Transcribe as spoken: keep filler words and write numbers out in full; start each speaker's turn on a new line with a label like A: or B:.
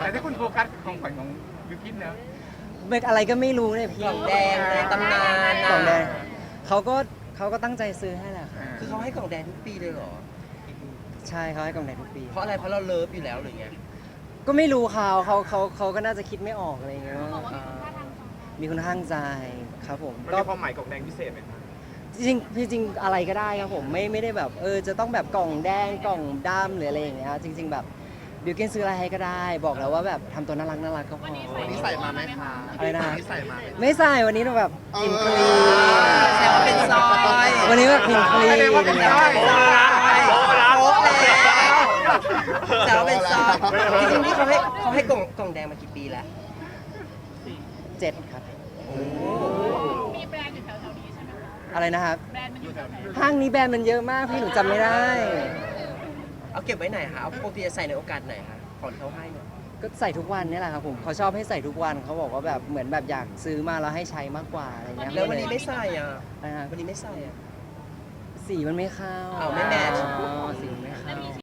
A: แต่ที่คุณโฟกัสของขวัญของบิวกินนะ
B: เป็นอะไรก็ไม่รู้เนี่ยพี่
C: กล่องแดงในตำนาน
B: กล่องแดงเขาก็เขาก็ตั้งใจซื้อให้แหละครับ
C: คือเขาให้กล่องแดงทุกปีเลยเหรอ
B: ใช่เขาให้กล่องแดงทุกปี
C: เพราะอะไรเพราะเราเลิฟอยู่แล้วหรือไง
B: ก็ไม่รู้เขาเขาเขาเขาก็น่าจะคิดไม่ออกอะไรอย่างเงี้ยมีคุณข้างใจครับผม
D: มัน
B: ก็
D: มีความหมายกล่องแดงพิเศษไหมครับ
B: จริงจริงๆอะไรก็ได้ครับผมไม่ไม่ได้แบบเออจะต้องแบบกล่องแดงกล่องดำหรืออะไรอย่างเงี้ยจริง ๆ แบบบิวกินซื้ออะไรให้ก็ได้ บอกแล้วว่าแบบทำตัวน่ารักน่ารักก็พอ
E: วันนี้ใส่มาไหมคะ
B: อะไรนะ
E: วันนี้ใส่มาไหม
B: ไม่ใส่วันนี้เราแบบกินคลี
C: แซวว่าเป็นซอย
B: วันนี้แบบกินคลี
A: แสดงว่าเป็นซอย
C: โป๊ะแล้วโป๊ะแล้วแซวว่าเป็นซอยจริงๆนี่เขาให้เขาให้กล่องกล่องแดงมากี่ปีแล้ว
B: เจ็ดครับ
F: มีแบรนด์อยู่แถวๆนี้ใช่ไหมคะ
B: อะไรนะครับ
F: แบรนด์มันอยู่แถวไหน
B: ห้างนี้แบรนด์มันเยอะมากพี่หนูจำไม่ได้
C: เอาเก็บไว้ไหนคะเอาปกติจะใส่ในโอกาสไหนคะของที่เขาให้เนี่ย
B: ก็ใส่ทุกวันนี่แหละครับผมเขาชอบให้ใส่ทุกวันเขาบอกว่าแบบเหมือนแบบอยากซื้อมาแล้วให้ใช้มากกว่าอะไรเงี้ย
C: แล้ววันนี้ไม่ใส่อ่ะ
B: นะฮะ
C: วันนี้ไม่ใส่อ่ะ
B: สีมันไม่เข้า
C: อ้าวไม่แมทช์
B: อ๋อสีมันไม่เข้า